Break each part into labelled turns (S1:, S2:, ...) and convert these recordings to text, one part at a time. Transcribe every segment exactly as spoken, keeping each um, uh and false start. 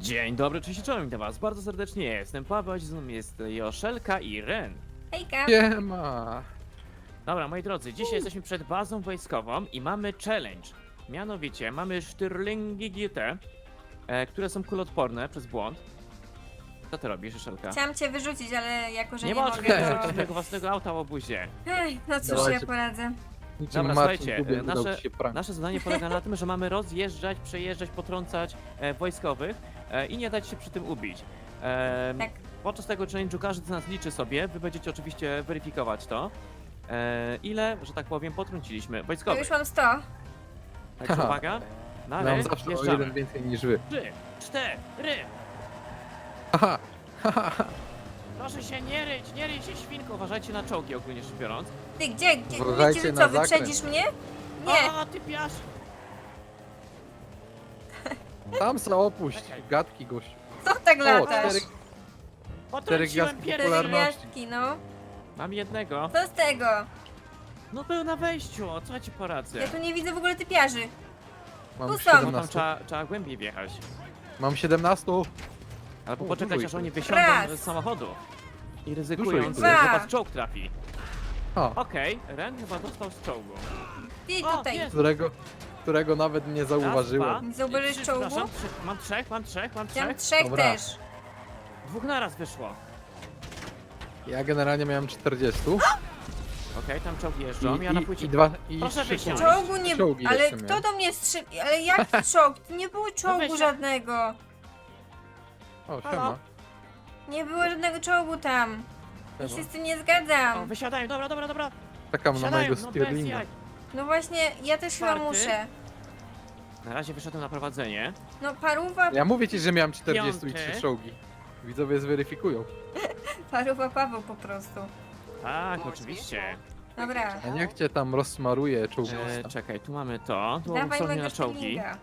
S1: Dzień dobry, cześć, czołem, witam was bardzo serdecznie, jestem Paweł, a z nami jest Joszelka i Ren.
S2: Hejka!
S3: Siema!
S1: Dobra, moi drodzy, dzisiaj jesteśmy przed bazą wojskową i mamy challenge. Mianowicie, mamy sztyrlingi G T, e, które są kuloodporne przez błąd. Co ty robisz, Joszelka?
S2: Chciałam cię wyrzucić, ale jako, że
S1: Nie
S2: nie,
S1: możesz
S2: mogę,
S1: wyrzucić
S2: to...
S1: swojego własnego auta w obuzie.
S2: Ej, no cóż, ja
S3: Dawajcie.
S2: poradzę.
S3: Niczym
S1: Dobra,
S3: Marcin
S1: słuchajcie,
S3: Kubiak
S1: e,
S3: udał
S1: nasze-
S3: ci się prank.
S1: Nasze zadanie polega na tym, że mamy rozjeżdżać, przejeżdżać, potrącać e, wojskowych e, i nie dać się przy tym ubić. E,
S2: Tak.
S1: Podczas tego challenge'u każdy z nas liczy sobie, wy będziecie oczywiście weryfikować to, e, ile, że tak powiem, potrąciliśmy
S2: To
S1: wojskowych.
S2: już mam sto.
S1: Także
S3: Haha.
S1: uwaga, na
S3: Mam
S1: ry,
S3: zawsze o
S1: wjeżdżamy.
S3: jeden więcej niż wy.
S1: Trzy, cztery.
S3: Haha!
S1: Proszę się nie ryć, nie ryj się świnko, uważajcie na czołgi ogólnie rzecz biorąc.
S2: Ty, gdzie? gdzie
S3: Uważajcie
S2: myślisz, że
S3: na
S2: co,
S3: zakręt.
S2: wyprzedzisz mnie? Nie,
S1: O, ty piasz!
S3: Tam se opuść,
S1: Czekaj.
S3: gadki gościu.
S2: co tak
S3: O,
S2: latasz?
S3: cztery, cztery
S1: Potrąciłem
S3: gwiazdki
S1: pierwszy.
S2: Cztery
S3: popularności.
S2: gwiazdki, no.
S1: Mam jednego.
S2: Co z tego?
S1: No był na wejściu, o co ja ci poradzę?
S2: Ja tu nie widzę w ogóle typiarzy.
S3: Mam
S2: Tu są.
S1: Bo tam
S3: siedemnaście.
S1: trzeba, trzeba głębiej wjechać.
S3: Mam siedemnaście.
S1: Albo
S3: O,
S1: poczekać
S3: dużo
S1: aż
S3: ich
S1: oni
S3: jest.
S1: wysiądą
S2: Raz.
S1: z samochodu. I
S3: Dużo
S1: ryzykując,
S3: ich
S1: że
S2: jest.
S1: do was czołg trafi.
S3: O,
S1: Okej, Ren chyba dostał z czołgu.
S2: Ty
S1: O,
S2: tutaj.
S1: jest.
S3: którego, którego nawet nie
S1: Raz, dwa,
S3: zauważyłem.
S2: Nie zauważyłeś
S1: trzy,
S2: czołgu?
S1: przepraszam, trzy. Mam trzech, mam trzech, mam
S2: Ja mam
S1: trzech.
S2: trzech
S3: Dobra.
S2: też.
S1: Dwóch naraz wyszło.
S3: Ja generalnie miałem czterdzieści.
S1: Okej, tam czołgi
S3: I,
S1: jeżdżą, ja na
S3: i,
S1: płycie...
S3: i dwa, i
S1: Proszę
S3: trzy
S1: wysiąść.
S3: punkty.
S2: Czołgu nie...
S3: Czołgi
S2: Ale
S3: jeszcze
S2: kto
S3: miałem.
S2: do mnie strzelił? Ale jaki czołg? Nie było czołgu
S1: weź się.
S2: żadnego.
S3: O,
S1: Halo?
S3: siema.
S2: Nie było żadnego czołgu tam. Ja się
S3: Siema.
S2: z tym nie
S1: O,
S2: zgadzam.
S1: wysiadają, dobra, dobra, dobra.
S3: Czekam na
S1: Wysiadają,
S3: mojego
S1: no bez
S3: Stirlinga.
S1: jaj.
S2: No właśnie, ja też chyba
S1: Czwarty.
S2: muszę.
S1: Na razie wyszedłem na prowadzenie.
S2: No paruwa,
S3: Ja mówię ci, że miałem czterdzieści i
S1: Piąty.
S3: trzy czołgi. Widzowie zweryfikują.
S2: paruwa Paweł po prostu.
S1: Tak, oczywiście.
S2: Dobra,
S3: A niech cię tam rozsmaruje
S1: E,
S3: czołgista.
S1: czekaj, tu mamy to. Tu
S2: dawaj
S1: są
S2: mojego
S1: na czołgi.
S2: Stirlinga.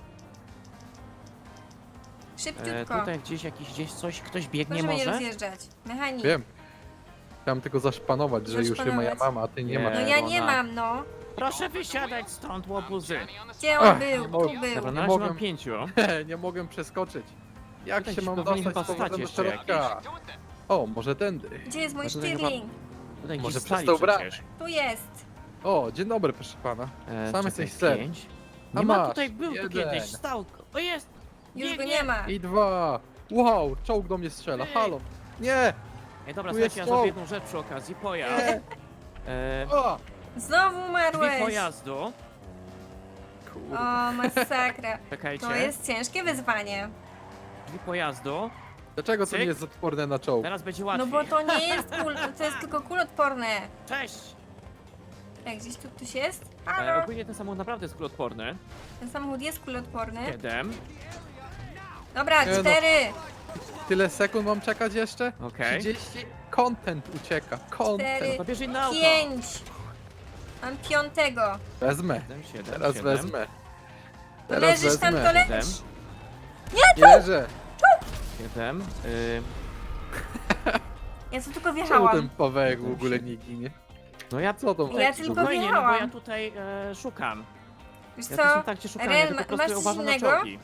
S1: E,
S2: Szybciutko.
S1: tutaj gdzieś jakiś, gdzieś coś, ktoś biegnie
S2: Proszę mnie
S1: może?
S2: rozjeżdżać. Mechanik.
S3: Wiem. Chciałem tylko zaszpanować, że już
S2: Zaszpanować.
S3: moja mama, a ty nie
S1: Nie.
S3: masz.
S2: No ja nie
S1: ona-
S2: mam, no.
S1: Proszę wysiadać stąd, łobuzy.
S2: Gdzie on
S3: Ach,
S2: był?
S3: nie
S2: Tu
S3: mogę.
S2: był.
S1: Dobra, na
S3: Nie
S1: razie mam
S3: mogę.
S1: pięciu.
S3: Nie mogę przeskoczyć. Jak
S1: Tutaj
S3: się
S1: ci
S3: mam
S1: powinien
S3: dostać
S1: chyba
S3: z powrotem
S1: stać
S3: do
S1: jeszcze
S3: środka? O, może tędy.
S2: Gdzie jest mój
S1: No tutaj
S2: Stirling?
S1: Tutaj
S3: Może
S1: gdzieś
S3: przez
S1: stali
S3: tą bramę.
S1: przecież.
S2: Tu jest.
S3: O, dzień dobry, proszę pana.
S1: E,
S3: Sam
S1: czekaj,
S3: jesteś ser.
S1: pięć.
S3: A
S1: Nie ma,
S3: masz,
S1: tutaj był tu
S3: jeden.
S1: kiedyś, stał. O jest!
S2: Już go
S1: Biegnie.
S2: nie ma.
S3: I dwa. Wow, czołg do mnie strzela.
S1: Ej.
S3: Halo. Nie!
S1: Ej, dobra,
S3: Tu
S1: słuchajcie,
S3: jest
S1: ja
S3: czołg.
S1: zrobię jedną rzecz przy okazji. Pojazd.
S3: Nie!
S1: E,
S3: O!
S2: Znowu
S1: drzwi
S2: umarłeś.
S1: pojazdu.
S3: Kurde.
S2: O, masakra.
S1: Czekajcie.
S2: To jest ciężkie wyzwanie.
S1: Drzwi pojazdu.
S3: Dlaczego to
S1: Cyk.
S3: nie jest odporne na czołg?
S1: Teraz będzie
S2: No
S1: łatwiej.
S2: bo to nie jest kul, to jest tylko kulotporne.
S1: Cześć!
S2: Jak gdzieś tu ktoś jest?
S1: E,
S2: Halo?
S1: ogólnie ten samochód naprawdę jest kuloodporny.
S2: Ten samochód jest kulotporny.
S1: Siedem.
S2: Dobra,
S3: Nie no.
S2: cztery.
S3: Tyle sekund mam czekać jeszcze?
S1: Okej.
S3: trzydzieści. Content ucieka. Content.
S2: Cztery.
S1: To bierz inne auto.
S2: Pięć. Mam piątego.
S3: Wezmę.
S1: Siedem, siedem,
S3: Teraz
S1: siedem.
S3: wezmę.
S2: To
S3: Teraz
S2: leżysz tam, to
S3: wezmę.
S2: leżysz.
S3: Nie leżę.
S1: Siedem. Y,
S2: Ja tu tylko
S3: Czemu
S2: wjechałam.
S3: ten Pawełek w ogóle nie ginie?
S1: no ja
S3: Co to?
S2: Ja tylko
S1: spokojnie, no bo
S2: wjechałam.
S1: ja tutaj e, szukam.
S2: Wiesz
S1: Ja
S2: co?
S1: tu jestem tak cię szukam,
S2: Ren,
S1: ja tylko
S2: ma-
S1: po
S2: masz
S1: prostu
S2: coś
S1: uważam na
S2: innego?
S1: czołgi.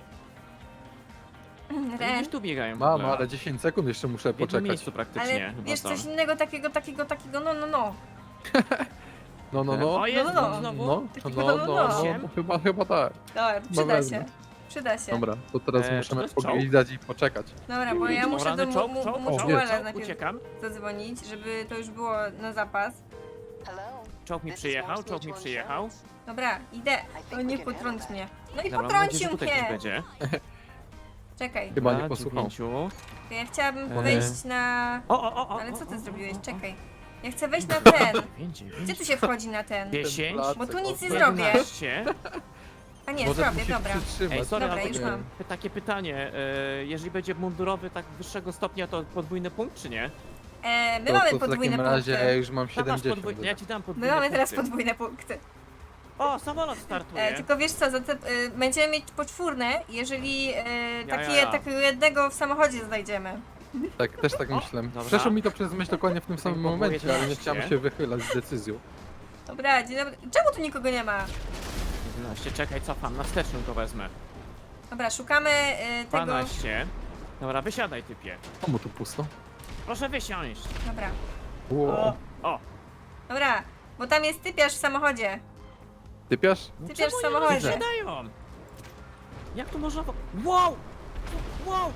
S1: Oni
S2: Ren,
S1: gdzieś tu biegają w
S3: Mam,
S1: ogóle.
S3: ale dziesięć sekund jeszcze muszę
S1: W jednym
S3: poczekać.
S1: miejscu praktycznie
S2: ale
S1: chyba
S2: wiesz
S1: są.
S2: coś innego takiego, takiego, takiego, no, no, no.
S3: No, no, no.
S1: O, jest
S2: No, no,
S1: no, znowu.
S3: No,
S2: Takiego
S3: no,
S2: no,
S3: no,
S2: no.
S3: no, chyba, chyba tak.
S2: Dobra, przyda
S3: wezmę.
S2: się. Przyda się.
S3: Dobra, to teraz
S1: E, czy to
S3: musimy
S1: jest czołg?
S3: poglądać i poczekać.
S2: Dobra, bo ja
S1: O,
S2: muszę
S1: rany,
S2: do
S1: czołg,
S2: mu-
S1: czołg,
S2: mu-
S1: czołg,
S2: Mutuala
S3: czołg,
S2: najpierw
S1: uciekam.
S2: zadzwonić, żeby to już było na zapas.
S1: Czołg mi przyjechał, czołg mi przyjechał.
S2: Dobra, idę. O, nie potrąć mnie. No i
S1: Dobra, mam nadzieję, że
S2: potrącił
S1: tutaj ktoś
S2: mnie.
S1: będzie.
S2: Czekaj,
S3: Chyba nie
S1: Dobra,
S3: posłuchał.
S1: dziewięciu.
S2: to ja chciałabym
S1: E.
S2: wejść na...
S1: O, o, o, o.
S2: Ale co
S1: o,
S2: ty
S1: o,
S2: zrobiłeś?
S1: o, o,
S2: Czekaj.
S1: o.
S2: Ja chcę wejść na ten.
S1: Dziewięć, dziewięć.
S2: Gdzie tu się wchodzi na ten?
S1: Dziesięć.
S3: Ten
S2: Bo tu
S3: placek,
S2: nic nie
S3: o,
S2: zrobię.
S1: jedenaście.
S2: A nie,
S3: Może
S2: zrobię,
S3: musisz
S2: dobra.
S3: przytrzymać.
S1: Ej, sorry,
S2: Dobra,
S1: ale
S2: już
S1: to-
S2: mam.
S1: takie pytanie. e, Jeżeli będzie mundurowy tak wyższego stopnia, to podwójny punkt, czy nie?
S2: E, my
S3: To,
S2: mamy
S3: to w
S2: podwójne
S3: takim razie ja
S2: punkty.
S3: już mam
S1: Tam masz
S3: siedemdziesiąt.
S1: podwójny, ja ci dam
S2: My
S1: podwójne
S2: mamy teraz
S1: punkty.
S2: podwójne punkty.
S1: O, samolot startuje.
S2: E, tylko wiesz co, za te, e, będziemy mieć poczwórne, jeżeli e,
S1: Ja,
S2: takie,
S1: ja, ja.
S2: takiego jednego w samochodzie znajdziemy.
S3: Tak, też tak
S1: O,
S3: myślę.
S1: dobra.
S3: Przeszło mi to przez myśl dokładnie w tym samym
S1: było
S3: momencie, ale nie
S1: jedenaście.
S3: chciałem się wychylać z decyzją.
S2: Dobra, dzień dobry. Czemu tu nikogo nie ma?
S1: jedenaście, czekaj, cofam, na wstecznym go wezmę.
S2: Dobra, szukamy y, tego...
S1: dwanaście. Dobra, wysiadaj typie.
S3: Komu tu pusto?
S1: Proszę wysiąść.
S2: Dobra.
S3: Wow.
S1: O,
S2: Dobra, bo tam jest typiarz w samochodzie.
S3: Typiasz?
S1: no
S2: Typiarz
S1: czemu
S2: w
S1: nie
S2: samochodzie.
S1: wysiadają? Jak to można... wo- Wow! Wow!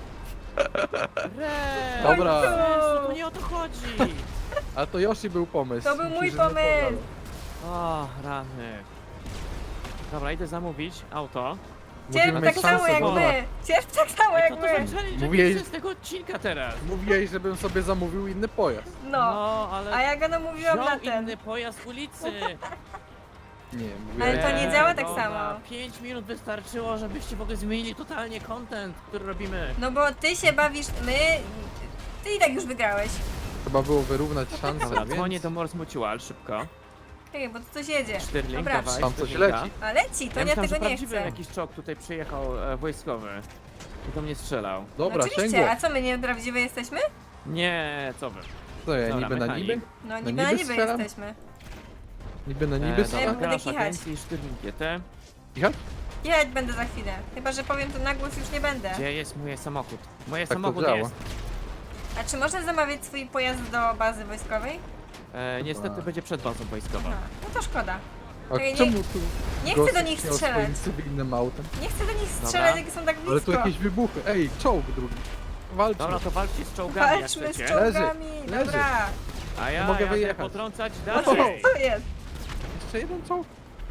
S1: Re!
S3: Dobra.
S1: Jezu, tu nie o to chodzi.
S3: A to Yoshi był pomysł.
S2: To był mój
S3: Ci, że nie
S2: pomysł.
S3: podał.
S1: O, rany. Dobra, idę zamówić auto.
S2: Cierp
S3: Mówimy
S2: tak samo
S3: szansę,
S2: jak
S3: bo-
S2: my. Cierp tak samo
S1: Ej,
S2: jak
S1: co to za
S2: my.
S1: challenge
S3: Mówiłeś-
S1: Mówię... z tego odcinka teraz?
S3: Mówiłeś, żebym sobie zamówił inny pojazd.
S2: No.
S1: No, ale
S2: A ja go namówiłam
S1: wziął
S2: na ten.
S1: inny pojazd ulicy.
S3: Nie,
S2: Ale
S3: mówiłem.
S2: to nie działa tak
S1: dobra,
S2: samo.
S1: pięć minut wystarczyło, żebyście w ogóle zmienili totalnie content, który robimy.
S2: No bo ty się bawisz, my... Ty i tak już wygrałeś.
S3: Trzeba było wyrównać szanse,
S1: Dobra,
S3: więc...
S1: dzwonię do Morse Mutual, szybko.
S2: Czekaj, bo tu coś jedzie.
S1: Sterling,
S2: Dobra,
S1: dawaj.
S3: Tam coś
S1: Sterlinga.
S3: leci.
S2: a leci, to
S1: Ja
S2: ja
S1: myślałem, że
S2: tego nie
S1: prawdziwy
S2: chcę.
S1: jakiś czołg tutaj przyjechał e, wojskowy. I do mnie strzelał.
S3: Dobra,
S2: no oczywiście,
S3: sięgło.
S2: a co my nieprawdziwe jesteśmy?
S1: Nie, co wy.
S3: Co ja,
S1: Dobra,
S3: niby na
S1: mechanik.
S3: niby?
S2: No
S3: niby
S2: niby na niby
S3: strzelam?
S2: jesteśmy.
S3: Niby na
S1: E,
S3: niby
S2: Ja
S1: dobra,
S3: strzelam?
S2: będę
S1: grasz
S2: kichać.
S1: agencji Sterling G T.
S3: Kichać?
S2: Jechać będę za chwilę. Chyba, że powiem to na głos, już nie będę.
S1: Gdzie jest mój samochód? Moje
S3: Tak to
S1: samochód
S3: działa.
S1: jest.
S2: A czy można zamawiać swój pojazd do bazy wojskowej?
S1: E, niestety
S3: Chyba.
S1: będzie przed bazą wojskową.
S2: Aha, no to szkoda.
S3: A
S2: Ej, nie-
S3: czemu tu
S2: Nie chcę do
S3: gościu
S2: nich
S3: miał
S2: strzelać.
S3: swoim cywilnym autem?
S2: Nie chcę do nich
S1: Dobra.
S2: strzelać, jak są tak
S3: Ale tu
S2: blisko.
S3: jakieś wybuchy. Ej, czołg drugi. Walczmy.
S1: Dobra, to walczcie z czołgami jak
S2: Walczmy z
S1: chcecie.
S2: czołgami,
S3: Leży,
S2: dobra.
S1: A ja
S3: mogę
S1: jadę
S3: wyjechać.
S1: potrącać
S3: O!
S1: dalej.
S2: Co jest?
S3: Jeszcze jeden czołg?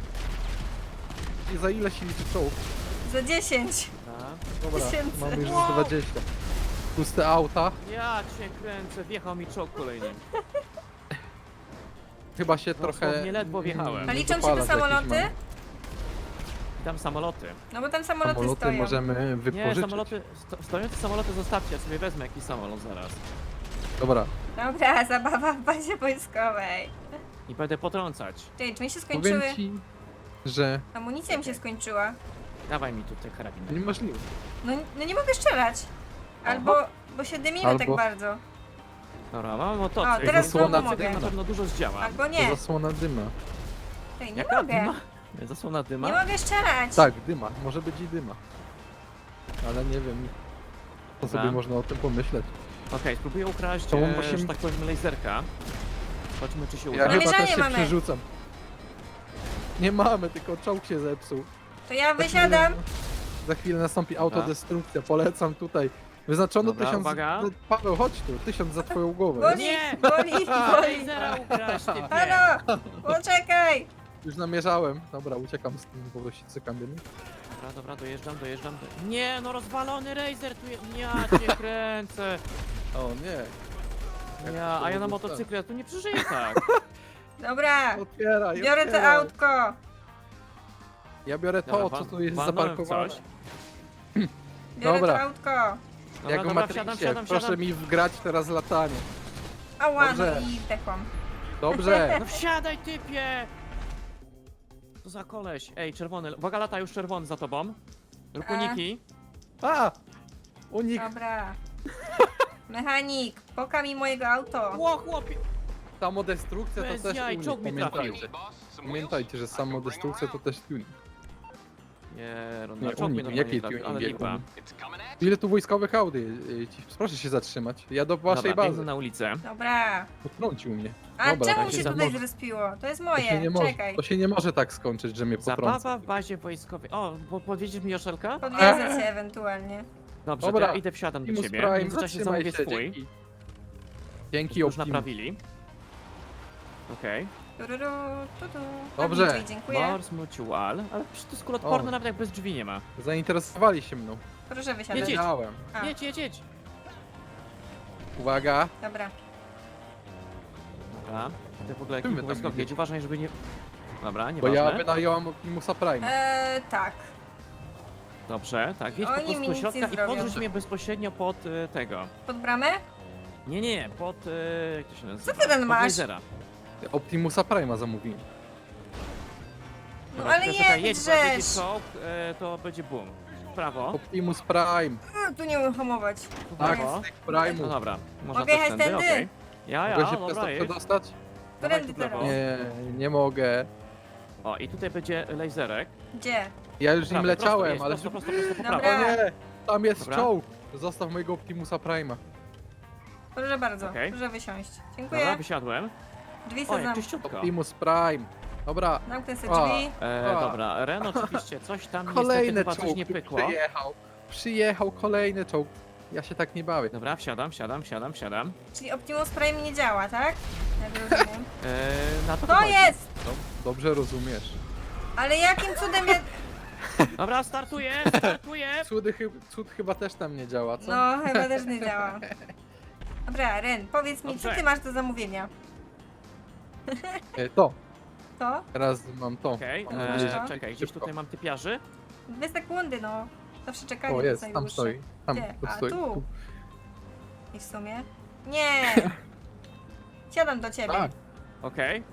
S3: I za ile się liczy czołg?
S2: Za dziesięć.
S1: Dobra.
S3: Dobra,
S2: Tysięcy.
S3: mamy już
S1: Wow.
S3: z dwadzieścia. Puste auta.
S1: Ja cię kręcę, wjechał mi czołg kolejny.
S3: Chyba się
S1: Dosłownie
S3: trochę...
S1: ledwo wjechałem.
S2: A liczą się te
S3: dopalać jakieś
S2: samoloty?
S3: mamy.
S1: I tam samoloty.
S2: No bo tam samoloty,
S3: Samoloty
S2: stoją.
S3: możemy
S1: Nie,
S3: wypożyczyć.
S1: samoloty, sto, stojące samoloty zostawcie, ja sobie wezmę jakiś samolot zaraz.
S3: Dobra,
S2: Dobra, zabawa w bazie wojskowej.
S1: I będę potrącać.
S2: Czekaj, czy mi się skończyły?
S3: powiem ci, że
S2: Amunicja mi się skończyła.
S1: Dawaj mi tutaj karabin.
S3: niemożliwe.
S2: No, no nie mogę strzelać. Albo, bo się dymimy
S3: Albo-
S2: tak bardzo.
S1: Dobra, mam motocykl.
S2: O, teraz
S3: znowu
S1: Motocykl
S2: mogę.
S1: na pewno dużo zdziała.
S2: Albo
S3: To
S2: nie.
S3: zasłona dyma.
S2: Czekaj, nie
S1: Jaka
S2: mogę.
S1: dyma? Nie, Zasłona dyma?
S2: Nie mogę strzelać.
S3: Tak, dyma. Może być i dyma. Ale nie wiem, co
S1: Dobra.
S3: sobie można o tym pomyśleć.
S1: Okej, spróbuję ukraść,
S3: To
S1: e,
S3: musimy-
S1: że tak powiem, laserka. Zobaczymy, czy się
S3: Ja
S1: uda.
S3: chyba
S2: Namierzanie
S3: też się
S2: mamy.
S3: przerzucam. Nie mamy, tylko czołg się zepsuł.
S2: To ja
S3: Za
S2: wysiadam.
S3: chwilę- Za chwilę nastąpi autodestrukcja, polecam tutaj. Wyznaczono
S1: Dobra,
S3: tysiąc...
S1: uwaga.
S3: Paweł, chodź tu, tysiąc za twoją głowę.
S2: Boli,
S1: Nie!
S2: boli, boli.
S1: Lasera ukraść, typie!
S2: Halo, poczekaj.
S3: Już namierzałem. Dobra, uciekam z tym, bo się cykam dymy.
S1: Dobra, dobra, dojeżdżam, dojeżdżam. Do... Nie, no rozwalony Razer tu jest. Ja cię kręcę.
S3: O nie. Jak
S1: Ja,
S3: to
S1: a ja na
S3: mogło
S1: motocyklu, ja tu nie przeżyję tak.
S2: Dobra,
S3: Otwieraj,
S2: biorę to
S3: otwieraj.
S2: autko.
S3: Ja biorę to,
S1: Dobra,
S3: co
S1: wa-
S3: tu jest
S1: walnąłem
S3: zaparkowane.
S1: coś.
S2: Biorę
S3: Dobra.
S2: to autko.
S1: Dobra,
S3: Jak w
S1: dobra,
S3: Matrixie,
S1: wsiadam, wsiadam,
S3: proszę
S1: wsiadam.
S3: mi wgrać teraz latanie.
S2: Ała, no
S3: Dobrze.
S2: i zdechłam.
S3: Dobrze.
S1: No wsiadaj, typie! Co za koleś? Ej, czerwony. Uwaga, lata już czerwony za tobą. Rób
S2: A.
S1: uniki.
S3: A! Unik.
S2: Dobra. Mechanik, poka mi mojego auto.
S1: Ło, chłopie!
S3: Samodestrukcja to
S1: Bez
S3: też
S1: jaj,
S3: unik.
S1: czołg mi trafił.
S3: Pamiętajcie. Pamiętajcie, że samodestrukcja to też tuning.
S1: Nie, no,
S3: Nie,
S1: na czołg mnie
S3: unik,
S1: normalnie
S3: jaki
S1: trafił,
S3: tuning,
S1: ale
S3: jaki
S1: lipa.
S3: tuning? Ile tu wojskowych Audi? y, ci- Proszę się zatrzymać. Ja do waszej
S1: Dobra, biegnę
S3: bazy.
S1: na ulicę.
S2: Dobra.
S3: Potrącił mnie.
S2: A
S3: Dobra,
S2: czemu
S3: tak
S2: mi
S1: się
S2: się
S1: za-
S2: tutaj
S3: może-
S2: zrespiło? To jest
S3: To się, nie
S2: moje,
S3: może,
S2: czekaj.
S3: to się nie może tak skończyć, że mnie potrąca.
S1: Zabawa w bazie wojskowej. O, po, podwiedziesz mi Joszelka?
S2: Podwiedzę cię ewentualnie.
S1: Dobrze,
S3: Dobra.
S1: to ja idę, wsiadam do
S3: Optimus
S1: ciebie. W
S3: Prime,
S1: międzyczasie
S3: zatrzymaj
S1: zamówię
S3: się,
S1: swój.
S3: dzięki. Dzięki,
S1: Już
S3: Optimus.
S1: naprawili. Okej.
S2: Tururu, tutu.
S3: Dobrze.
S2: Dobrze. Dziękuję.
S1: Morse Mutual. Ale przecież to jest kulotporne,
S3: O.
S1: nawet jak bez drzwi nie ma.
S3: Zainteresowali się mną.
S2: Proszę wysiadać.
S1: Jedzie.
S3: Wiedziałem.
S2: A,
S1: Jedź, jedź, jedź.
S3: Uwaga.
S2: dobra.
S1: Dobra. Ty w ogóle
S3: Czym wy
S1: jakiś
S3: tam
S1: wojskowy, jedź,
S3: jedziecie?
S1: uważaj, żeby nie... Dobra,
S3: Bo
S1: nieważne.
S3: ja wynająłem Optimusa Prime.
S2: Eee, tak.
S1: Dobrze, tak, jedź po
S2: Oni mi
S1: prostu do
S2: nic
S1: środka
S2: nie
S1: i
S2: zrobią.
S1: podrzuć mnie bezpośrednio pod y, tego.
S2: Pod bramę?
S1: Nie, nie, pod... Y, jak to się nazywa?
S2: Co ty ten
S1: Pod
S2: masz?
S1: lasera.
S3: Optimusa Prime'a zamówiłem.
S2: No
S1: Dobra,
S2: ale
S1: czekaj, czekaj,
S2: jedź,
S1: jedź, bo jak będzie
S2: żeż.
S1: czołg, y, to będzie boom. W prawo.
S3: Optimus Prime.
S2: A, tu nie umiem hamować.
S1: W
S3: Tak,
S1: prawo.
S3: z tych
S1: No
S3: Prime'ów.
S1: dobra, można
S2: Mogę
S1: też
S2: jechać
S1: tędy,
S2: tędy?
S1: okej. Ja, ja,
S3: Mogę się przez
S1: dobra,
S3: to
S1: jedź.
S3: przedostać?
S1: Dawaj
S2: Którędy
S1: tu w lewo.
S2: teraz?
S3: Nie, nie mogę.
S1: O, i tutaj będzie laserek.
S2: Gdzie?
S3: Ja już nim
S1: Prawy, prosto
S3: leciałem,
S1: jedź,
S3: ale...
S1: Prosto, prosto, prosto, po
S2: Dobra.
S1: prawo.
S3: O nie! Tam jest
S1: Dobra.
S3: czołg! Zostaw mojego Optimusa Prime'a.
S2: Proszę bardzo,
S1: Okej.
S2: proszę wysiąść.
S1: Dobra,
S2: Dziękuję.
S1: wysiadłem.
S2: Drzwi
S1: O,
S2: sobie
S1: jak
S2: zam...
S1: czyściutko.
S3: Optimus Prime. Dobra,
S2: zamknę sobie
S3: A.
S2: drzwi.
S1: E,
S3: A.
S1: dobra, Ren oczywiście coś tam niestety
S3: kolejny
S1: chyba coś
S3: czołg
S1: nie
S3: tu
S1: pykło.
S3: przyjechał. Przyjechał kolejny czołg. Ja się tak nie bawię.
S1: Dobra, wsiadam, wsiadam, wsiadam, wsiadam.
S2: Czyli Optimus Prime nie działa, tak? Jak rozumiem.
S1: E, na to
S2: To
S1: wychodzi.
S2: jest!
S3: Dob- Dobrze rozumiesz.
S2: Ale jakim cudem ja...
S1: Dobra, startuję, startuję.
S3: Cudy, chy- cud chyba też tam nie działa, co?
S2: No, chyba też nie działa. Dobra, Ren, powiedz mi, co
S1: Dobrze.
S2: ty masz do zamówienia?
S3: E, to.
S2: To?
S3: Teraz mam to.
S1: Okej,
S3: Mam
S1: e,
S3: nadzieję, że
S1: czekaj, gdzieś
S3: szybko.
S1: tutaj mam typiarzy.
S2: Dwie sekundy, no. Zawsze czekanie
S3: O,
S2: to
S3: jest, tam
S2: najdłuższe.
S3: stoi. Tam,
S2: Gdzie?
S3: tu
S2: A,
S3: stoi.
S2: tu. I w sumie? Nie! Siadam do ciebie.
S3: Tak.
S1: Okej.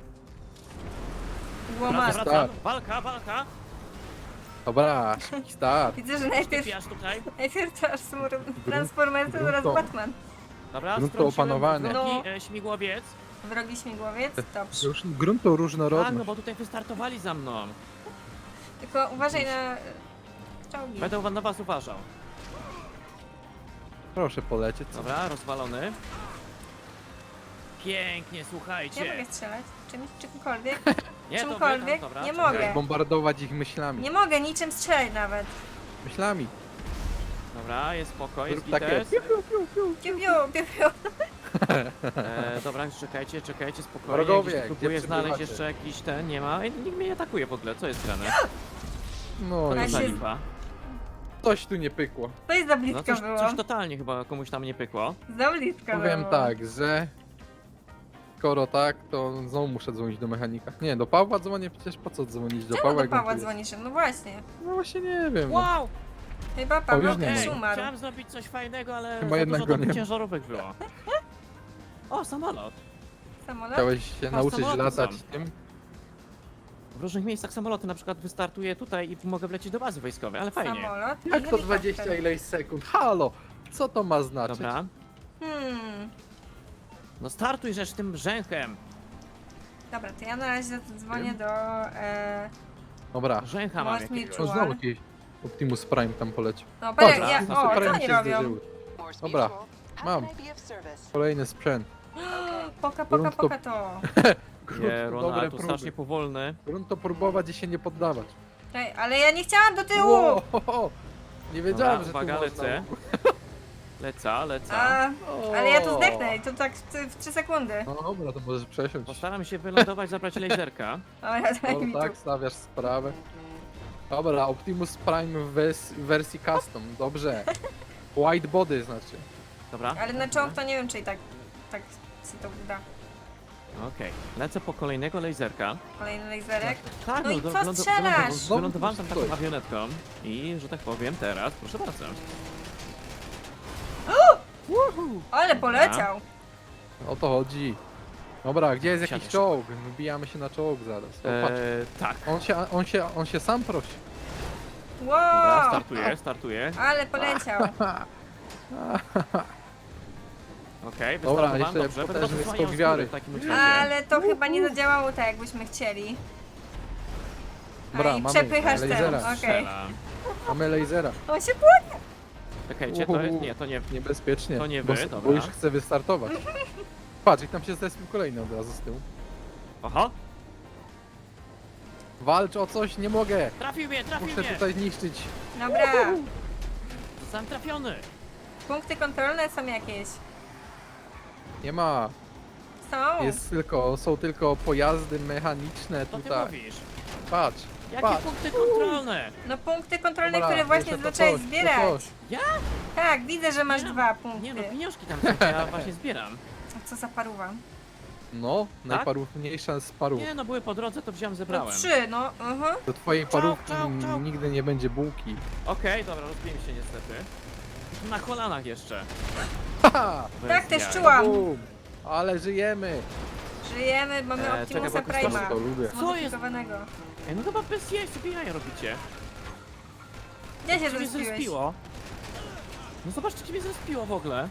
S2: Łomar.
S1: Wracam,
S3: Start.
S1: walka, walka.
S3: Dobra, szybki start.
S2: Widzę, że najpierw,
S1: Typiarz tutaj.
S2: najpierw transform, Transformersy,
S3: grunto.
S2: teraz Batman.
S1: Dobra,
S3: Grunt to
S1: strąciłem
S3: opanowanie.
S1: wrogi,
S2: No.
S1: e, śmigłowiec.
S2: Wrogi śmigłowiec? Dobrze.
S3: Już grunt to
S1: Tak, no
S3: różnorodność.
S1: bo tutaj wystartowali za mną.
S2: Tylko uważaj na e, czołgi.
S1: Będę na was uważał.
S3: Proszę polecieć.
S1: Dobra, rozwalony. Pięknie,
S2: Ja
S1: słuchajcie.
S2: mogę strzelać? Czymś, czymkolwiek?
S1: Nie, to wy
S2: czymkolwiek?
S1: tam, dobra,
S2: Nie
S1: czekaj.
S2: mogę.
S3: Bombardować ich myślami.
S2: Nie mogę niczym strzelać nawet.
S3: Myślami.
S1: Dobra, jest spoko, jest
S3: Zrób takie.
S1: gites.
S3: piu, piu, piu, piu.
S2: Piu, piu, piu, piu.
S1: E, dobra, czekajcie, czekajcie, spokojnie.
S3: Wrogowie,
S1: Gdzieś
S3: gdzie
S1: próbuję znaleźć
S3: przebywacie?
S1: jeszcze jakiś ten, nie ma. Ej, nikt mnie nie atakuje w ogóle, co jest grane?
S3: No
S1: Co
S2: Ja
S1: to za
S2: się-
S1: lipa?
S3: coś tu nie pykło.
S2: To jest za
S1: No
S2: blisko
S1: coś,
S2: było.
S1: coś totalnie chyba komuś tam nie pykło.
S2: Za blisko
S3: Powiem
S2: było.
S3: tak, że skoro tak, to znowu muszę dzwonić do mechanika. Nie, do Pawła dzwonię, przecież po co dzwonić do
S2: Czemu
S3: Pawła?
S2: do
S3: jak on
S2: Pawła
S3: tu jest?
S2: dzwonisz? No właśnie.
S3: No właśnie nie wiem. No.
S1: Wow!
S2: Chyba Paweł
S3: już nie
S2: też
S3: ma.
S2: umarł.
S1: Chciałem zrobić coś fajnego, ale
S3: Chyba
S1: za
S3: jednak
S1: dużo
S3: go
S1: tam
S3: nie ma.
S1: ciężarówek było. O, samolot.
S2: Samolot?
S3: Chciałeś się
S1: Patrz,
S3: nauczyć
S1: samoloty
S3: latać
S1: są.
S3: tym?
S1: W różnych miejscach samoloty na przykład wystartuję tutaj i mogę wlecieć do bazy wojskowej, ale fajnie.
S2: Samolot i
S3: Jak to
S2: helikopter.
S3: dwadzieścia ileś sekund? Halo! Co to ma znaczyć?
S1: Dobra.
S2: Hmm.
S1: No startuj rzecz tym brzęchem.
S2: Dobra, to ja na razie dzwonię do... E...
S3: Dobra.
S1: Brzęcha mam
S2: Most mi
S1: jakiegoś.
S3: O,
S2: czuła.
S3: znowu jakiś Optimus Prime tam polecił.
S2: No, patrz,
S1: Dobra,
S2: ja...
S1: na
S2: O,
S1: super
S2: co oni
S3: się
S2: robią?
S3: zderzyły. Dobra, mam. Kolejny sprzęt.
S2: Poka, poka,
S3: Grunt to-
S2: poka to.
S3: Grunt
S1: Nie,
S3: to
S1: Ronald,
S3: dobre
S1: tu
S3: próby.
S1: strasznie powolny.
S3: Grunt to próbować i się nie poddawać.
S2: Czekaj, ale ja nie chciałam do tyłu!
S3: Wow, nie wiedziałem,
S1: Dobra,
S3: że
S1: uwaga,
S3: tu można.
S1: lecę. Leca, leca.
S2: A,
S3: O.
S2: ale ja tu zdechnę i to tak w, w trzy sekundy.
S3: No dobra, to możesz przesiąść.
S1: Postaram się wylądować, zabrać laserka.
S2: O, ja daj mi
S3: No
S2: tu.
S3: tak, stawiasz sprawę. Dobra, Optimus Prime w wers- w wersji custom, dobrze. White body znaczy.
S1: Dobra.
S2: Ale na czołg to nie wiem, czy i tak, tak się to uda.
S1: Okej, lecę po kolejnego laserka.
S2: Kolejny laserek.
S1: Tak,
S2: No i
S1: do-
S2: co
S1: wylądu-
S2: strzelasz?
S1: wylądowałem-
S3: Znowu
S1: Wylądowałem tam
S3: tu
S1: taką
S3: stoi.
S1: awionetką i, że tak powiem, teraz, proszę bardzo.
S2: Ale poleciał!
S3: O to chodzi. Dobra, gdzie jest jakiś
S1: Siadasz.
S3: czołg? Wbijamy się na czołg zaraz. O, patrz.
S1: Eee, tak.
S3: On się, on się, on się sam prosi.
S1: Dobra,
S2: Wow!
S1: startuję, startuję.
S2: Ale poleciał.
S1: Okej,
S3: Dobra,
S1: wystartowałem,
S3: jeszcze
S1: dobrze. Będę
S3: potężny
S1: was osłaniał
S3: skok
S1: z
S3: wiary.
S1: góry w takim razie.
S2: Ale to chyba nie zadziałało tak, jakbyśmy chcieli.
S3: Dobra,
S2: A i
S3: mamy
S2: przepychasz ten.
S3: lasera.
S2: Okej.
S1: Strzelam.
S3: Mamy lasera.
S2: On się płynie.
S1: Czekajcie, to jest, nie, to nie.
S3: Niebezpiecznie.
S1: To nie
S3: bo,
S1: wy,
S3: s- bo
S1: dobra.
S3: już chcę wystartować. Patrz, i tam się zrespił kolejny od razu z tyłu.
S1: Oho,
S3: Walcz o coś, nie mogę.
S1: trafił mnie, trafił
S3: Muszę
S1: mnie.
S3: tutaj zniszczyć.
S2: Dobra.
S1: Zostałem trafiony.
S2: Punkty kontrolne są jakieś.
S3: Nie ma.
S2: Są.
S3: Jest tylko, są tylko pojazdy mechaniczne
S1: To ty
S3: tutaj.
S1: mówisz.
S3: Patrz.
S1: Jakie
S3: Patrz.
S1: punkty kontrolne?
S2: No punkty kontrolne,
S3: Dobra,
S2: które właśnie
S3: jeszcze to
S2: zaczęłeś
S3: coś, to
S2: zbierać.
S3: coś.
S1: Ja?
S2: Tak, widzę, że masz
S1: Nie no,
S2: dwa punkty.
S1: Nie no, pieniążki tam są, ja właśnie zbieram.
S2: A co za paruwa?
S3: No, najparówniejsza z parów.
S1: Nie no, były po drodze, to wziąłem,
S2: No
S1: zebrałem.
S2: trzy, no. Mhm.
S3: Do twojej
S1: Czołg,
S3: parówki
S1: czołg, czołg.
S3: nigdy nie będzie bułki.
S1: Okej, dobra, rozbiłem się niestety. Na kolanach jeszcze.
S3: Haha!
S1: Bez
S2: Tak też
S1: jaj.
S2: czułam.
S3: Bum. Ale żyjemy!
S2: Żyjemy, mamy
S1: E,
S2: Optimusa
S1: czekaj, bo
S3: Też
S2: Prime'a.
S3: to lubię.
S1: Co jest?
S2: Zmodyfikowanego.
S1: Ej, no chyba bez jaj sobie jaja robicie.
S2: Gdzie się
S1: Ciebie
S2: zrespiłeś?
S1: zrespiło. No zobaczcie, ciebie zrespiło w ogóle.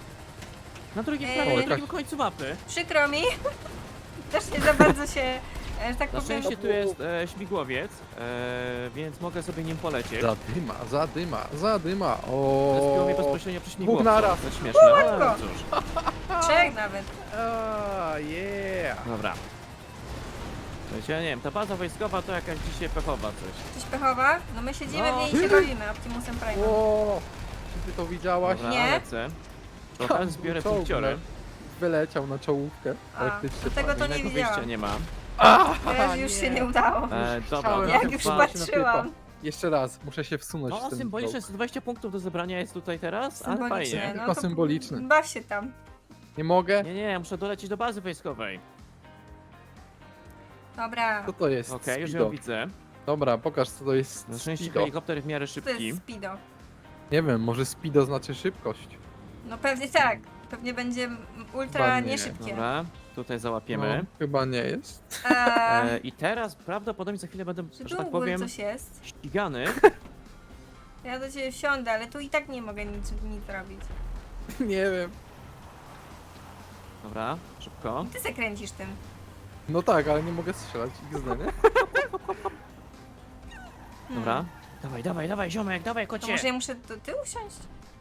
S1: Na drugim,
S2: Ej.
S1: prawie
S3: O,
S1: na
S3: jakaś-
S1: drugim końcu mapy.
S2: Przykro mi. Też nie za bardzo się Ja, że tak
S1: Na
S2: powiem,
S1: szczęście tu jest e, śmigłowiec, e, więc mogę sobie nim polecieć.
S3: Zadyma, zadyma, zadyma. O.
S1: Zespiło mnie bezpośrednio przy śmigłowcu.
S3: naraz.
S1: To śmieszne, ale
S2: go.
S1: cóż.
S2: trzech nawet.
S3: A, yeah.
S1: Dobra. Wiecie, ja nie wiem, ta baza wojskowa to jakaś dzisiaj pechowa coś.
S2: Coś pechowa? No my siedzimy
S1: No.
S2: w niej i się bawimy Optimusem Prime.
S3: O, czy ty to widziałaś?
S1: Dobra,
S2: Nie?
S1: lecę. To teraz zbiorę
S3: Czołg,
S1: pikciory.
S3: Wyleciał na czołówkę.
S2: A,
S3: Praktycznie.
S2: to tego to nie
S1: Innego wyjścia
S2: widziałam.
S1: nie ma.
S3: A,
S2: Teraz już się nie udało.
S1: E, dobra,
S3: Chciałem,
S1: no
S2: Jak
S1: chyba-
S2: już
S3: chyba-
S2: patrzyłam.
S3: Jeszcze raz, muszę się wsunąć
S1: No
S3: w ten
S1: symbolicznie
S3: czołg.
S1: sto dwadzieścia punktów do zebrania jest tutaj teraz, ale
S2: Symbolicznie,
S1: fajnie.
S2: no
S3: Tylko
S2: to
S3: symboliczny.
S2: baw się tam.
S3: Nie mogę?
S1: Nie, nie, ja muszę dolecieć do bazy wojskowej.
S2: Dobra.
S3: Co to jest?
S1: Okej, już
S3: Speedo.
S1: ją widzę.
S3: Dobra, pokaż co to jest
S1: Na szczęście
S3: speedo.
S1: helikopter w miarę
S2: To
S1: szybki.
S2: jest speedo.
S3: Nie wiem, może speedo znaczy szybkość.
S2: No pewnie tak. Pewnie będzie ultra
S3: Chyba nie.
S2: nieszybkie.
S1: Dobra, tutaj załapiemy.
S3: No, chyba nie jest.
S2: Eee,
S1: E, I teraz prawdopodobnie za chwilę będę,
S2: czy
S1: że
S2: tu
S1: tak
S2: u góry
S1: powiem,
S2: coś jest?
S1: ścigany.
S2: Ja do ciebie wsiądę, ale tu i tak nie mogę nic, nic robić.
S3: Nie wiem.
S1: Dobra, szybko.
S2: Ty se kręcisz tym.
S3: No tak, ale nie mogę strzelać. X D, nie?
S1: Dobra.
S2: Hmm.
S1: Dawaj, dawaj, dawaj, ziomek, dawaj,
S2: To
S1: kocie.
S2: może ja muszę do tyłu wsiąść?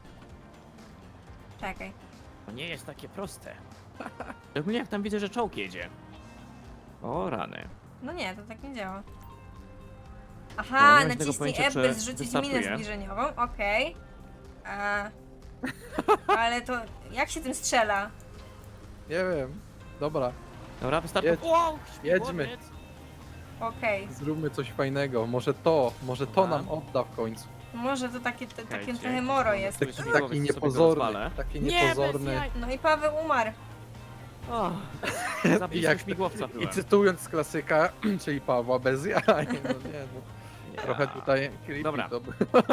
S2: Czekaj.
S1: To nie jest takie proste. Szczególnie jak tam widzę, że czołg jedzie. O rany.
S2: No nie, to tak nie działa.
S1: No,
S2: Aha,
S1: nie mam tego
S2: naciśnij
S1: pojęcia,
S2: F,
S1: czy
S2: by zrzucić minę
S1: wystartuje.
S2: zbliżeniową, okej. A, ale to jak się tym strzela?
S3: Nie wiem. Dobra,
S1: Dobra, wystarczy.
S3: Jedź.
S1: Wow,
S3: Jedźmy.
S1: śmigłowiec.
S2: Okej.
S3: zróbmy coś fajnego. Może to, może to
S1: Dobra.
S3: nam odda w końcu.
S2: Może to takie, to, takie
S1: Czekajcie,
S2: trochę moro
S1: mamy
S2: jest.
S1: tu
S3: Taki,
S1: śmigłowiec,
S3: taki
S1: to sobie go
S3: niepozorny.
S1: rozwalę.
S3: Taki
S1: Nie, bez
S3: niepozorny.
S1: jaj.
S2: No i Paweł umarł.
S1: O, za blisko
S3: Jak-
S1: śmigłowca
S3: I
S1: byłem.
S3: cytując klasyka, czyli Pawła bez jaj. No nie, no.
S1: Ja.
S3: Trochę tutaj creepy
S1: Dobra.
S3: to było.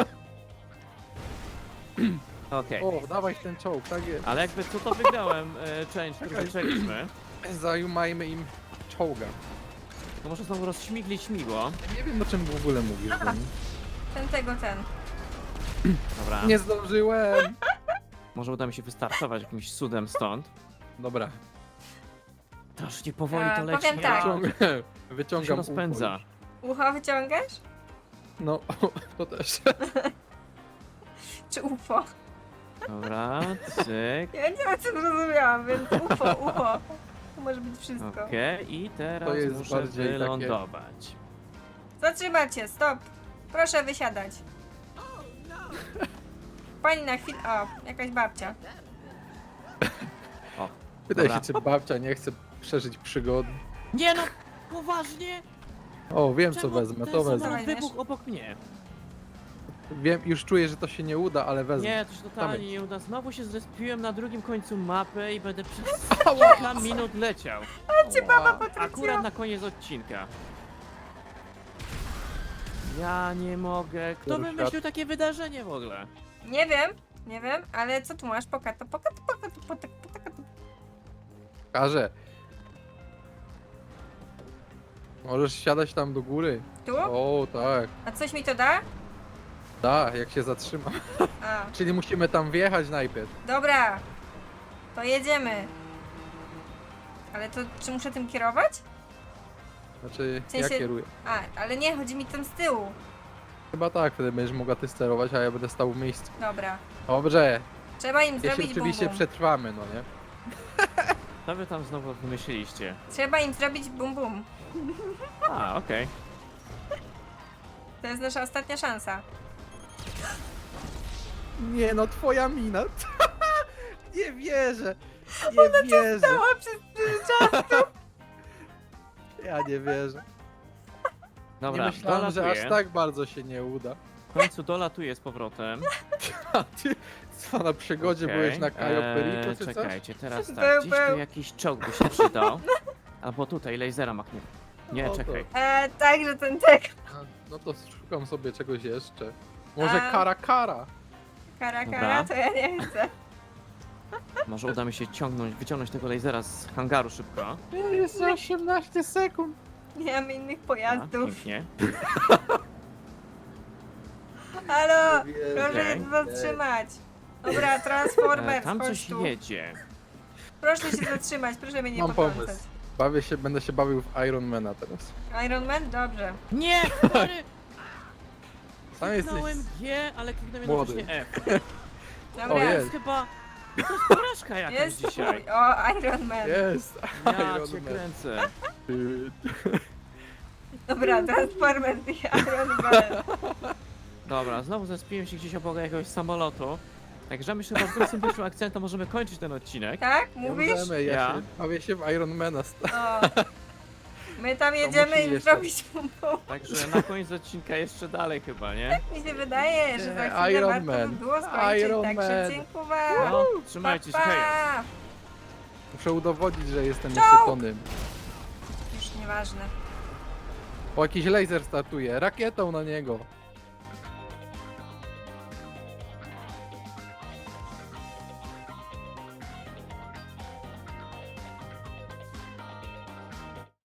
S1: Okej.
S3: O, dawaj ten czołg, tak jest.
S1: Ale jakby co to wygrałem e, challenge, który
S3: Czekaj.
S1: zaczęliśmy.
S3: Zajumajmy im czołga.
S1: To może znowu rozśmiglić śmigło.
S3: Nie wiem o czym w ogóle mówisz.
S2: Aha.
S3: Dani.
S2: Ten tego, ten.
S1: Dobra.
S3: Nie zdążyłem.
S1: Może uda mi się wystartować jakimś cudem stąd.
S3: Dobra,
S1: Strasznie powoli
S2: E,
S1: to leci.
S2: powiem tak.
S3: wyciągam,
S1: To się
S3: wyciągam
S1: rozpędza.
S3: ufo już.
S2: Ucho wyciągasz?
S3: No, to też.
S2: Czy UFO?
S1: Dobra, cyk.
S2: Ja nie wiem, co zrozumiałam, więc UFO, UFO. To może być wszystko.
S1: Okej, i teraz
S3: To jest
S1: muszę
S3: bardziej takie-
S1: wylądować.
S2: Zatrzymać się, stop. Proszę wysiadać. Pani na chwilę... O, jakaś babcia.
S1: O,
S3: Pytaj
S1: dobra.
S3: się, czy babcia nie chce przeżyć przygody.
S1: Nie no, poważnie?
S3: O, wiem co
S1: Czemu
S3: wezmę,
S1: ten
S3: to
S1: samolot
S3: wezmę.
S2: Dawaj,
S1: wybuchł obok mnie.
S3: Wiem, już czuję, że to się nie uda, ale wezmę.
S1: Nie, to się totalnie nie uda. Znowu się zrespiłem na drugim końcu mapy i będę przez
S3: Ała!
S1: kilka minut leciał.
S2: Cię baba
S3: Ała.
S2: potrąciła.
S1: Akurat na koniec odcinka. Ja nie mogę. Kto
S3: Który
S1: wymyślił
S3: świat?
S1: takie wydarzenie w ogóle?
S2: Nie wiem, nie wiem, ale co tu masz? Pokato, pokato, pokato, pokato, pokato.
S3: Każę. Możesz siadać tam do góry.
S2: Tu?
S3: O, tak.
S2: A coś mi to da?
S3: Da, jak się zatrzyma.
S2: A,
S3: Czyli musimy tam wjechać najpierw.
S2: dobra. To jedziemy. Ale to, czy muszę tym kierować?
S3: Znaczy,
S2: W sensie-
S3: ja kieruję.
S2: A, ale nie, chodzi mi tam z tyłu.
S3: Chyba tak, wtedy będziesz mogła ty sterować, a ja będę stał w miejscu.
S2: Dobra.
S3: Dobrze,
S2: Trzeba im
S3: jeśli
S2: zrobić bum
S3: oczywiście
S2: bum.
S3: przetrwamy, no nie?
S1: Co wy tam znowu wymyśliliście?
S2: Trzeba im zrobić bum bum.
S1: A, okej.
S2: To jest nasza ostatnia szansa.
S3: Nie no, twoja mina. Nie wierzę. Nie wierzę.
S2: O, przez czas.
S3: Ja nie wierzę.
S1: Dobra,
S3: nie myślałem, że aż
S1: dolatuję.
S3: tak bardzo się nie uda.
S1: W końcu dolatuję z powrotem.
S3: A ty co na przygodzie
S1: Okej,
S3: byłeś na Cayo
S1: eee,
S3: Perico czy coś?
S1: Czekajcie, teraz
S2: Był,
S1: tak, gdzieś tu
S2: był.
S1: jakiś czołg by się przydał. Albo tutaj, lasera machnę. Nie,
S3: No to-
S1: czekaj.
S2: E, także ten tek.
S3: A, no to szukam sobie czegoś jeszcze. Może
S2: A.
S3: kara kara.
S2: Kara,
S1: Dobra.
S2: kara, to ja nie chcę.
S1: Może uda mi się ciągnąć, wyciągnąć tego lasera z hangaru szybko.
S3: Jeszcze osiemnaście sekund.
S2: Nie mamy innych
S1: A,
S2: pojazdów.
S1: pięknie.
S2: Halo,
S3: Nie wierzę.
S2: proszę
S1: Okej.
S2: się zatrzymać. Dobra,
S1: E,
S2: Transformers,
S1: tam
S2: chodź
S1: coś
S2: tu.
S1: jedzie.
S2: Proszę się zatrzymać, proszę mnie nie
S3: Mam
S2: potrącać.
S3: pomysł. Bawię się, będę się bawił w Ironmana teraz.
S2: Iron Man? Dobrze.
S1: Nie, sorry!
S3: Sam jesteś...
S1: Kliknąłem G, ale kliknąłem
S3: młody.
S1: jednocześnie F.
S2: Dobra.
S3: O,
S1: To
S3: jest.
S1: jest chyba... To jest porażka jakaś
S2: Jest
S1: dzisiaj.
S2: twój. O, Iron Man.
S3: Jest!
S1: Ja
S3: Iron
S1: cię
S3: Man.
S1: kręcę.
S3: Ty-
S2: Dobra, Transformers i Iron Man.
S1: Dobra, znowu zespiłem się gdzieś obok jakiegoś samolotu. Także myślę, że chyba z tym pierwszym akcentem możemy kończyć ten odcinek.
S2: Tak?
S3: Nie
S2: Mówisz?
S3: możemy, ja,
S1: Ja.
S3: się bawię się w Ironmana.
S2: O. My tam jedziemy
S3: musi
S2: im
S3: jeszcze.
S2: zrobić pompą.
S1: Także na koniec odcinka jeszcze dalej chyba, nie?
S2: Mi się wydaje, że za
S3: Nie,
S2: chwilę
S3: Iron
S2: warto by
S3: Man.
S2: było skończyć.
S3: Iron
S2: Także
S3: Man.
S2: dziękuję.
S1: No, trzymajcie się,
S2: Pa,
S1: hej!
S2: pa.
S3: Muszę udowodnić, że jestem
S2: Czołg!
S3: jeszcze Tonym.
S2: Już nieważne.
S3: O, jakiś laser startuje. Rakietą na niego.